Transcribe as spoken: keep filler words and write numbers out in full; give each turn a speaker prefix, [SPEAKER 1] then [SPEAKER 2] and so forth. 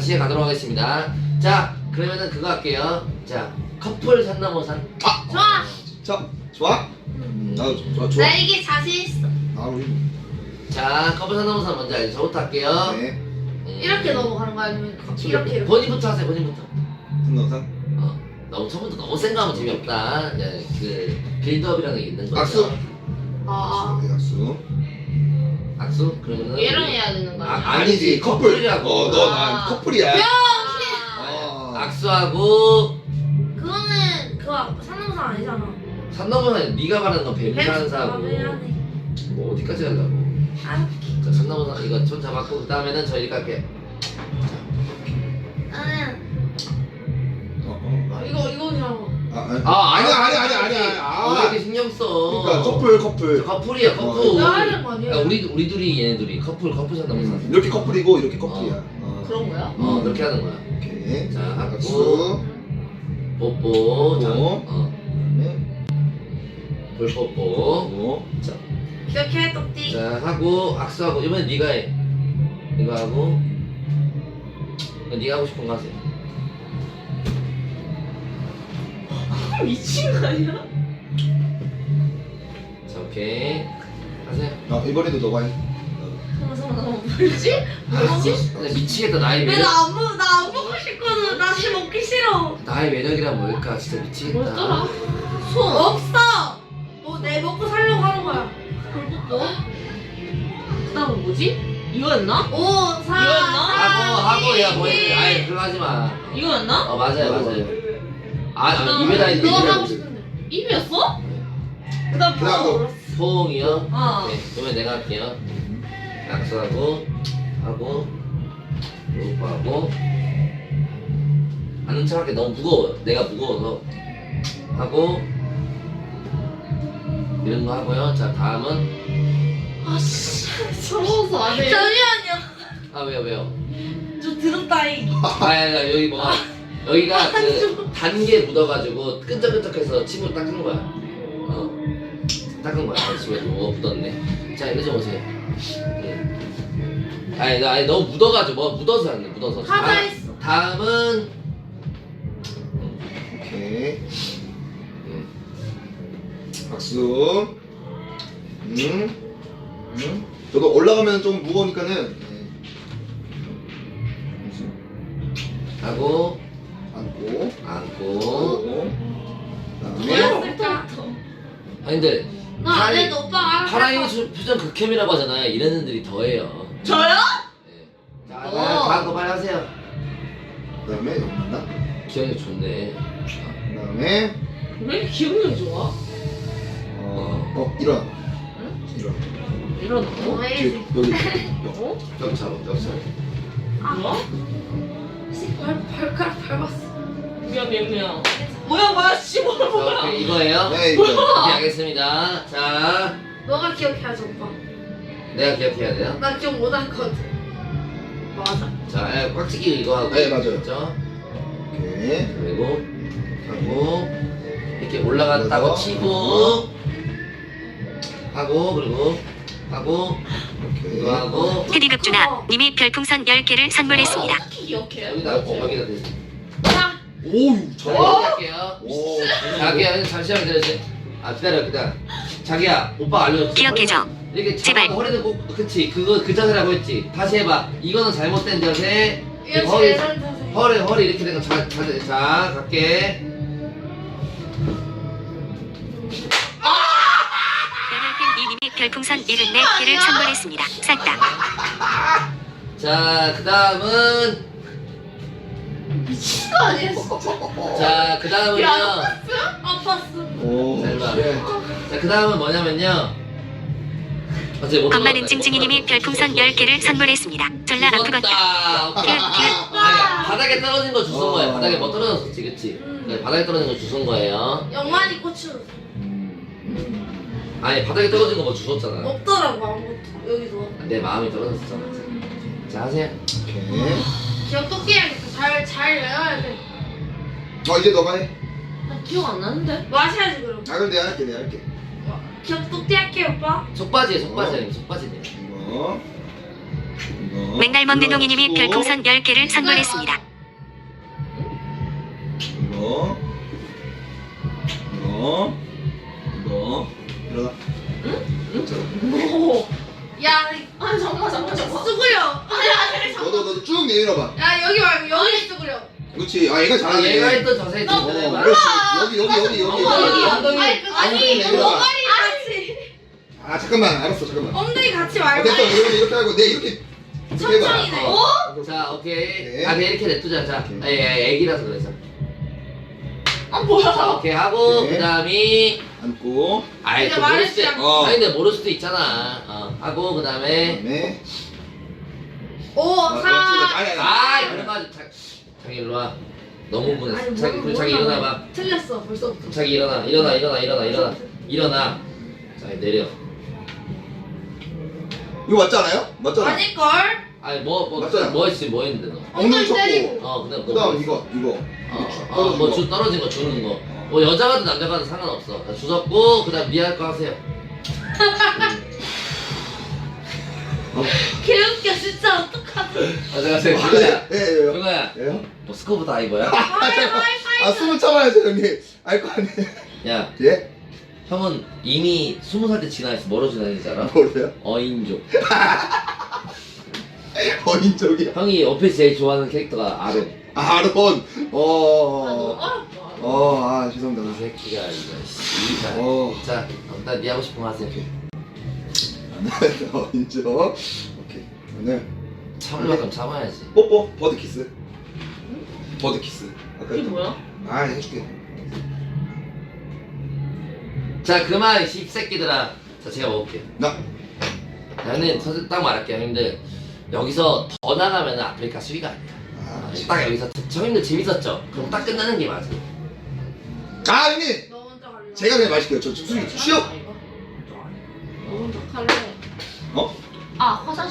[SPEAKER 1] 다시 가도록 하겠습니다. 자, 그러면은 그거 할게요. 자, 커플 산 넘어 산.
[SPEAKER 2] 아!
[SPEAKER 3] 좋아.
[SPEAKER 2] 자, 좋아? 음, 나도 좋아, 좋아.
[SPEAKER 3] 나 이게 자신 있어.
[SPEAKER 2] 아, 우리.
[SPEAKER 1] 자, 커플 산 넘어 산 먼저 알죠? 저부터 할게요.
[SPEAKER 2] 네.
[SPEAKER 1] 음.
[SPEAKER 3] 이렇게 넘어가는 거 아니면 이렇게 이렇게.
[SPEAKER 1] 본인부터 하세요. 본인부터.
[SPEAKER 2] 등록상.
[SPEAKER 1] 어, 너무 처음부터 너무 센 거 하면 재미없다. 예, 그 빌드업이라는 게 있는 거죠.
[SPEAKER 2] 악수.
[SPEAKER 3] 아.
[SPEAKER 2] 네, 악수.
[SPEAKER 1] 악수? 그러면은
[SPEAKER 3] 얘랑 해야 되는 거
[SPEAKER 1] 아,
[SPEAKER 3] 아니야?
[SPEAKER 1] 아니지, 커플이라고.
[SPEAKER 2] 어, 너, 나
[SPEAKER 3] 아.
[SPEAKER 2] 커플이야.
[SPEAKER 3] 병신.
[SPEAKER 2] 아.
[SPEAKER 1] 악수하고
[SPEAKER 3] 그거는 그거 상남상 아니잖아.
[SPEAKER 1] 산 넘어 산. 네가 말하는 건 뱀산사고.
[SPEAKER 3] 미안해.
[SPEAKER 1] 뭐 어디까지 하려고?
[SPEAKER 3] 아,
[SPEAKER 1] 자, 산 넘어 산 이거 손 잡았고 그 다음에는 저희 갈게.
[SPEAKER 3] 나는
[SPEAKER 2] 어, 어.
[SPEAKER 3] 아, 이거 이거 그냥.
[SPEAKER 2] 아, 아니.
[SPEAKER 1] 아,
[SPEAKER 2] 아니야, 아니야, 아니야, 아니야.
[SPEAKER 1] 왜
[SPEAKER 2] 아.
[SPEAKER 1] 이렇게 신경 써?
[SPEAKER 2] 그러니까 커플, 커플.
[SPEAKER 1] 저 커플이야, 커플.
[SPEAKER 2] 어.
[SPEAKER 3] 내가 하는 거 아니야?
[SPEAKER 1] 야, 우리 우리 둘이 얘네 둘이 커플 커플 산 넘어 산.
[SPEAKER 2] 음, 이렇게 커플이고 이렇게 커플이야. 어.
[SPEAKER 3] 그런 거야?
[SPEAKER 1] 어, 그렇게 하는 거야.
[SPEAKER 2] 오케이.
[SPEAKER 1] 자, 하고.
[SPEAKER 2] 악수.
[SPEAKER 1] 뽀뽀. 자,
[SPEAKER 2] 뽀뽀.
[SPEAKER 1] 어,
[SPEAKER 2] 네.
[SPEAKER 1] 볼 뽀뽀.
[SPEAKER 2] 오.
[SPEAKER 1] 자,
[SPEAKER 3] 기억해 똑띠.
[SPEAKER 1] 자 하고 악수하고 이번엔 네가 해. 이거 하고 네가 하고 싶은 거 하세요.
[SPEAKER 3] 미친 거 아니야?
[SPEAKER 1] 자, 오케이. 하세요.
[SPEAKER 2] 아, 이번에도 너가 해.
[SPEAKER 3] 잠깐만 잠깐만 뭐지? 뭐지?
[SPEAKER 1] 근데 미치겠다. 나의 매력.
[SPEAKER 3] 왜나안 먹, 나안 먹고 싶거든. 나 지금 먹기 싫어.
[SPEAKER 1] 나의 매력이란 뭘까? 진짜 미치겠다.
[SPEAKER 3] 뭐였더라? 손 없어. 뭐 내 먹고 살려고 하는 거야. 뭐?
[SPEAKER 4] 그다음은 뭐지? 이거였나?
[SPEAKER 3] 오, 사,
[SPEAKER 4] 이거였나?
[SPEAKER 1] 하고 하고 야 뭐
[SPEAKER 3] 이,
[SPEAKER 1] 했지? 아이 그거 하지 마.
[SPEAKER 4] 이거였나?
[SPEAKER 1] 어 맞아요 맞아요. 아, 아 입에다
[SPEAKER 3] 너
[SPEAKER 1] 입에
[SPEAKER 3] 하고 싶은데.
[SPEAKER 4] 입이었어? 그다음
[SPEAKER 2] 그다음
[SPEAKER 4] 뭐?
[SPEAKER 2] 너.
[SPEAKER 1] 포옹이요.
[SPEAKER 4] 아.
[SPEAKER 1] 네, 그러면 내가 할게요. 악수하고 하고 요거 하고 아는 척할게. 너무 무거워. 내가 무거워서 하고 이런 거 하고요. 자 다음은
[SPEAKER 3] 아씨.
[SPEAKER 4] 서러워서 안 해.
[SPEAKER 3] 잠시만요.
[SPEAKER 1] 아 왜요 왜요?
[SPEAKER 3] 좀 드럽다잉.
[SPEAKER 1] 아 여기 뭐가 여기가 그 단계 묻어가지고 끈적끈적해서 침으로 닦은 거야. 어 닦은 거야. 집에 뭐 묻었네. 자 이리 좀 오세요. 응. 아니 나 아니 너무 묻어가지고 뭐 묻어서 안 돼. 묻어서.
[SPEAKER 3] 하자
[SPEAKER 1] 다-
[SPEAKER 3] 했어.
[SPEAKER 1] 다음은
[SPEAKER 2] 오케이.
[SPEAKER 1] 음,
[SPEAKER 2] 박수. 음. 음. 저도 올라가면 좀 무거우니까는. 네.
[SPEAKER 1] 하고
[SPEAKER 2] 안고.
[SPEAKER 1] 안고.
[SPEAKER 2] 하고. 그다음에.
[SPEAKER 3] 뭐였을까?
[SPEAKER 1] 아니 근데
[SPEAKER 3] 나안 해도 오빠가 알아서
[SPEAKER 1] 파랑이
[SPEAKER 3] 할
[SPEAKER 1] 수- 표정 극혐이라고 하잖아요. 이런 애들이 더해요.
[SPEAKER 4] 저요?
[SPEAKER 1] 네. 자
[SPEAKER 4] 어.
[SPEAKER 1] 다음 거 빨리 하세요.
[SPEAKER 2] 그다음에 여기 맞나?
[SPEAKER 1] 기억이 좋네.
[SPEAKER 2] 그다음에
[SPEAKER 4] 왜 이렇게 기억력이 좋아?
[SPEAKER 2] 어, 어 일어나. 일어나.
[SPEAKER 4] 이러는
[SPEAKER 3] 뭐
[SPEAKER 4] 거?
[SPEAKER 3] 해야지.
[SPEAKER 2] 여기.
[SPEAKER 4] 어?
[SPEAKER 1] 벽차로 벽차로.
[SPEAKER 4] 뭐야?
[SPEAKER 3] 발, 발가락 밟았어.
[SPEAKER 4] 미안 미안 미안. 뭐야 뭐야 씨 뭐야
[SPEAKER 1] 자,
[SPEAKER 4] 뭐야.
[SPEAKER 1] 오케이, 이거예요.
[SPEAKER 2] 네, 이거.
[SPEAKER 1] 오케이 알겠습니다. 자
[SPEAKER 3] 너가 기억해야지 오빠.
[SPEAKER 1] 내가 기억해야 돼요.
[SPEAKER 3] 나 기억 못할 것 같아. 맞아.
[SPEAKER 1] 자 예, 꽉치기 이거 하고.
[SPEAKER 2] 네, 맞아요.
[SPEAKER 1] 그렇죠?
[SPEAKER 2] 오케이.
[SPEAKER 1] 그리고 하고 이렇게 올라갔다고
[SPEAKER 2] 올라가서.
[SPEAKER 1] 치고 하고 그리고 하고
[SPEAKER 2] 오케이.
[SPEAKER 1] 이거 하고
[SPEAKER 5] 테디극주나 님이 별풍선 열 개를 선물했습니다.
[SPEAKER 4] 어떻게 기억해?
[SPEAKER 1] 여기다 여기다 대세요.
[SPEAKER 3] 자,
[SPEAKER 2] 오우,
[SPEAKER 1] 자
[SPEAKER 2] 잘.
[SPEAKER 1] 이렇게 할게요.
[SPEAKER 2] 오.
[SPEAKER 1] 자기야 잠시만 기다려주세요. 아 기다려 기다려. 자기야 오빠 알려줬어.
[SPEAKER 5] 기억해줘.
[SPEAKER 1] 이렇게
[SPEAKER 5] 제발.
[SPEAKER 1] 잡고 허리는 꼭 그치 그거 그 자세라고 했지. 다시 해봐. 이거는 잘못된 자세.
[SPEAKER 3] 이거
[SPEAKER 1] 허리
[SPEAKER 3] 제일 잘 타세.
[SPEAKER 1] 허리 허리 이렇게 된 거 자, 자, 자 갈게.
[SPEAKER 5] 연혈팬 이님이 별풍선 칠십사 개를 선물했습니다. 싹다.
[SPEAKER 1] 자 그다음은
[SPEAKER 3] 미친 거 아니야 진짜.
[SPEAKER 1] 자 그다음은요.
[SPEAKER 3] 아팠어.
[SPEAKER 2] 오.
[SPEAKER 1] 잘 봐.
[SPEAKER 2] 예.
[SPEAKER 1] 자 그다음은 뭐냐면요. 어제 못
[SPEAKER 5] 겁많은
[SPEAKER 1] 먹었다,
[SPEAKER 5] 찡찡이님이
[SPEAKER 1] 못
[SPEAKER 5] 별풍선 열 개를 선물했습니다. 졸라 아프겠다.
[SPEAKER 1] 먹었다. 오케이. 아니, 바닥에 떨어진 거 주운 거예요.
[SPEAKER 2] 어.
[SPEAKER 1] 바닥에 뭐 떨어졌었지, 그치?
[SPEAKER 3] 음.
[SPEAKER 1] 네, 바닥에 떨어진 거 주운 거예요.
[SPEAKER 3] 영만이 고추
[SPEAKER 2] 음.
[SPEAKER 1] 아니 바닥에 떨어진 거 뭐 주웠잖아.
[SPEAKER 3] 없더라고 아무것도 여기도.
[SPEAKER 1] 내 마음이 떨어졌었잖아. 자 하세요.
[SPEAKER 2] 오케이.
[SPEAKER 3] 기억 똑게 해야겠다. 잘잘 외워야 돼.
[SPEAKER 2] 어, 이제 너가 해.
[SPEAKER 4] 나 기억 안 나는데.
[SPEAKER 3] 마셔야지 그럼.
[SPEAKER 2] 아, 그럼 내가 할게, 내가 할게.
[SPEAKER 3] 기억 똑게 할게 오빠.
[SPEAKER 1] 속바지에 속바지 아니면 속바지네.
[SPEAKER 2] 이거. 이거.
[SPEAKER 5] 맥날 먹는 농이님이
[SPEAKER 2] 이거
[SPEAKER 5] 별풍선 열 개를 선물했습니다.
[SPEAKER 2] 이거. 이거. 이거. 일어나.
[SPEAKER 4] 뭐?
[SPEAKER 3] 야,
[SPEAKER 4] 아 잠깐만 잠깐만 잠깐만.
[SPEAKER 3] 쭈그려.
[SPEAKER 2] 너도 너도 쭉 내밀어봐.
[SPEAKER 3] 야, 여기 말고 여기 쭈그려.
[SPEAKER 2] 그렇지. 아 얘가
[SPEAKER 1] 아,
[SPEAKER 2] 잘하네.
[SPEAKER 1] 얘가 했던 자세
[SPEAKER 3] 너
[SPEAKER 1] 좀
[SPEAKER 2] 어,
[SPEAKER 1] 해봐.
[SPEAKER 2] 그렇지. 여기 여기 여기 여기
[SPEAKER 1] 어,
[SPEAKER 2] 여기.
[SPEAKER 1] 여기 엉덩이.
[SPEAKER 3] 아니, 그,
[SPEAKER 2] 엉덩이
[SPEAKER 3] 아니,
[SPEAKER 2] 내밀어봐.
[SPEAKER 3] 엉덩이 같이.
[SPEAKER 2] 아 잠깐만. 알았어. 잠깐만.
[SPEAKER 3] 엉덩이 같이
[SPEAKER 2] 아,
[SPEAKER 3] 말고.
[SPEAKER 2] 됐어. 이렇게 이렇게 하고 내 이렇게. 이렇게 해봐.
[SPEAKER 3] 천천히네.
[SPEAKER 1] 어. 자, 오케이.
[SPEAKER 2] 네.
[SPEAKER 1] 아, 그냥 이렇게 냅두자. 자,
[SPEAKER 2] 오케이.
[SPEAKER 1] 애, 애, 애기라서 그래서.
[SPEAKER 4] 아 뭐야?
[SPEAKER 1] 자, 오케이 하고
[SPEAKER 2] 네.
[SPEAKER 1] 그다음이
[SPEAKER 2] 앉고.
[SPEAKER 1] 아이
[SPEAKER 3] 내가
[SPEAKER 1] 또 모를
[SPEAKER 3] 말했지
[SPEAKER 1] 수도
[SPEAKER 3] 않고.
[SPEAKER 2] 어.
[SPEAKER 1] 아니 근데 모를 수도 있잖아. 어. 하고 그다음에
[SPEAKER 2] 그다음에.
[SPEAKER 3] 오,
[SPEAKER 2] 아, 그렇지.
[SPEAKER 3] 사.
[SPEAKER 2] 아니 아니.
[SPEAKER 1] 아이 그런 거 하지. 자, 자기 일로 와. 너무 분했어.
[SPEAKER 3] 아니,
[SPEAKER 1] 자기
[SPEAKER 3] 뭐,
[SPEAKER 1] 그리고 자기
[SPEAKER 3] 뭐라고
[SPEAKER 1] 일어나 봐.
[SPEAKER 3] 틀렸어, 벌써부터.
[SPEAKER 1] 자기 일어나 일어나 일어나 일어나 일어나 일어나. 자 내려.
[SPEAKER 2] 이거 맞지 않아요? 맞잖아.
[SPEAKER 3] 아닐걸?
[SPEAKER 1] 아니 뭐뭐
[SPEAKER 2] 맞잖아.
[SPEAKER 1] 뭐 했지 뭐 했는데 너.
[SPEAKER 2] 엉덩이
[SPEAKER 3] 엉덩이 때리고.
[SPEAKER 2] 쳤고.
[SPEAKER 1] 어 그다음 뭐
[SPEAKER 2] 그다음
[SPEAKER 1] 뭐
[SPEAKER 2] 이거 이거.
[SPEAKER 1] 어, 어, 뭐 주, 떨어진 거 주는 거. 뭐 여자가든 남자가든 상관없어. 자, 주웠고 그다음 미안할 거 하세요.
[SPEAKER 3] 개웃겨, 진짜 어떡하지?
[SPEAKER 1] 안녕하세요.
[SPEAKER 2] 아,
[SPEAKER 1] 누나야.
[SPEAKER 2] 예, 예, 예.
[SPEAKER 1] 누나야.
[SPEAKER 2] 예요?
[SPEAKER 1] 뭐 스쿠버 다이버야?
[SPEAKER 2] 아 숨을 참아야죠 형님. 알 거 아니에요.
[SPEAKER 1] 야,
[SPEAKER 2] 예?
[SPEAKER 1] 형은 이미 스무 살 때 지나있어. 뭐로 지나있는지 알아?
[SPEAKER 2] 뭐래요?
[SPEAKER 1] 어인족.
[SPEAKER 2] 어인적이야.
[SPEAKER 1] 형이 옆에서 제일 좋아하는 캐릭터가 아론.
[SPEAKER 2] 아 아론.
[SPEAKER 3] 아, 너무
[SPEAKER 2] 어.
[SPEAKER 3] 어렵다.
[SPEAKER 2] 어, 아
[SPEAKER 1] 이
[SPEAKER 2] 죄송합니다.
[SPEAKER 1] 새끼가 이거 씨. 자,
[SPEAKER 2] 어.
[SPEAKER 1] 자, 일단 니 하고 싶은 거 하세요.
[SPEAKER 2] 어인적. 오케이. 오늘
[SPEAKER 1] 참을 만큼 참아야지.
[SPEAKER 2] 뽀뽀 버드 키스. 버드 키스. 아까
[SPEAKER 4] 이게
[SPEAKER 2] 했던
[SPEAKER 4] 뭐야?
[SPEAKER 2] 거. 아 해줄게.
[SPEAKER 1] 자, 그만 씹새끼들아. 자, 제가 먹을게요.
[SPEAKER 2] 나.
[SPEAKER 1] 나는 사실 딱 말할게요, 형님들. 여기서 더 나가면 아프리카 수위가 아니야.
[SPEAKER 2] 아,
[SPEAKER 1] 딱 여기서 형님들 재밌었죠? 그럼 딱 끝나는 게 맞아.
[SPEAKER 2] 아 형님.
[SPEAKER 3] 너 먼저 갈래?
[SPEAKER 2] 제가 그냥 마실게요. 저 지금 술 취업.
[SPEAKER 3] 너 먼저 갈래?
[SPEAKER 2] 어?
[SPEAKER 4] 아 화장.